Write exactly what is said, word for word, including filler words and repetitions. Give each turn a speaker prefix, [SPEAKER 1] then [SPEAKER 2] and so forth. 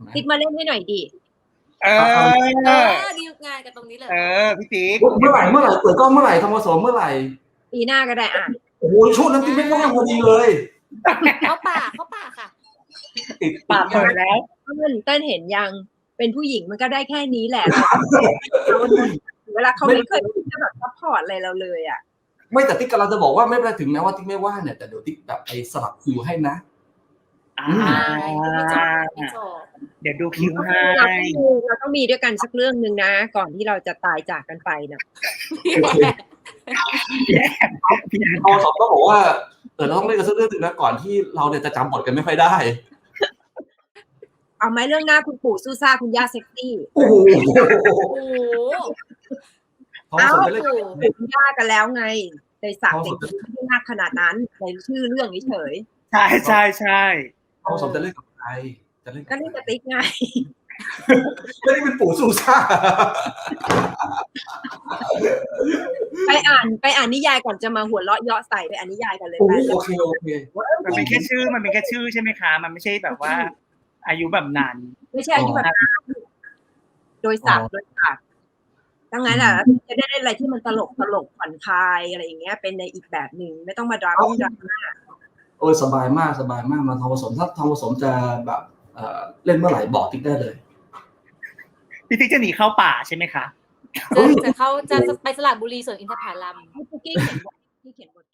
[SPEAKER 1] ติ๊กมาเล่นให้หน่อยดิ
[SPEAKER 2] เออ
[SPEAKER 3] เออดีงานกันตรงนี้เลย
[SPEAKER 2] เออพี่ติ๊ก
[SPEAKER 4] เมื่อไหร่เมื่อไหร่เปิดกล้องเมื่อไหร่ทำผสมเมื่อไหร่
[SPEAKER 1] ปีหน้าก็ได้อ่ะ
[SPEAKER 4] โอ้โหช่วงนั้นที่ไม่ว่างพอดีเลย
[SPEAKER 3] เข้าป่าเข้าป่าค่ะ
[SPEAKER 4] ติด
[SPEAKER 2] ป่าเปิดแล้ว
[SPEAKER 1] เต้นเต้นเห็นยังเป็นผู้หญิงมันก็ได้แค่นี้แหละเวลาเขาไม่เคยจะแบบซัพพอร์ตอะไรเราเลยอ่ะ
[SPEAKER 4] ไม่แต่ติ๊กกำลังจะบอกว่าไม่เป็นไรถึงแม้ว่าติ๊กไม่ว่างเนี่ยแต่เดี๋ยวติ๊กแบบไปสลับคิวให้นะ
[SPEAKER 2] อ่าเดี๋ยวดูคิวให้
[SPEAKER 1] เราต้องมีด้วยกันสักเรื่องนึงนะก่อนที่เราจะตายจากกันไปนะ
[SPEAKER 4] พอสอบต้องบอกว่าเออเราต้องเล่นกันสักเรื่องนึงนะก่อนที่เราเนี่ยจะจำบทกันไม่ค่อยได้
[SPEAKER 1] เอาไหมเรื่องหน้าคุณปู่ซูซ่าคุณย่าเซ็กซี่
[SPEAKER 4] โอ้โห
[SPEAKER 1] เอาคุณย่ากันแล้วไงในศักดิ์เด็กไม่มากขนาดนั้นในชื่อเรื่องนี้เฉย
[SPEAKER 2] ใช่ใช่ใช่
[SPEAKER 4] พอสอบจะเล่นกับใครจะเล่น
[SPEAKER 1] ก็เล่นกับติ๊กไง
[SPEAKER 4] ไม่ได้เป็นปู่ซูซ่า
[SPEAKER 1] ไปอ่านไปอ่านนิยายก่อนจะมาหัวเราะเยาะใส่ไปอ่านนิยายกันเลย
[SPEAKER 4] โอเคโอเค
[SPEAKER 2] มันเป็นแค่ชื่อมันเป็นแค่ชื่อใช่ไหมคะมันไม่ใช่แบบว่าอายุแบบนั้น
[SPEAKER 1] ไม่ใช่อายุแบบนั้นโดยศักดิ์โดยศักดิ์ดังนั้นอ่ะจะได้เล่นอะไรที่มันตลกตลกผ่อนคลายอะไรอย่างเงี้ยเป็นในอีกแบบหนึ่งไม่ต้องมาดราม่าดราม่า
[SPEAKER 4] โอ้ยสบายมากสบายมากมาทองผสมถ้าทองผสมจะแบบเล่นเมื่อไหร่บอกติ๊กได้เลย
[SPEAKER 2] พี่ติ๊กจะหนีเข้าป่าใช่ไหมคะ
[SPEAKER 3] จะจะเข้าจะไปสระบุรีสวนอินทผลัม
[SPEAKER 1] ให้ปุ๊กกี้เขียนบทที่เขียนบท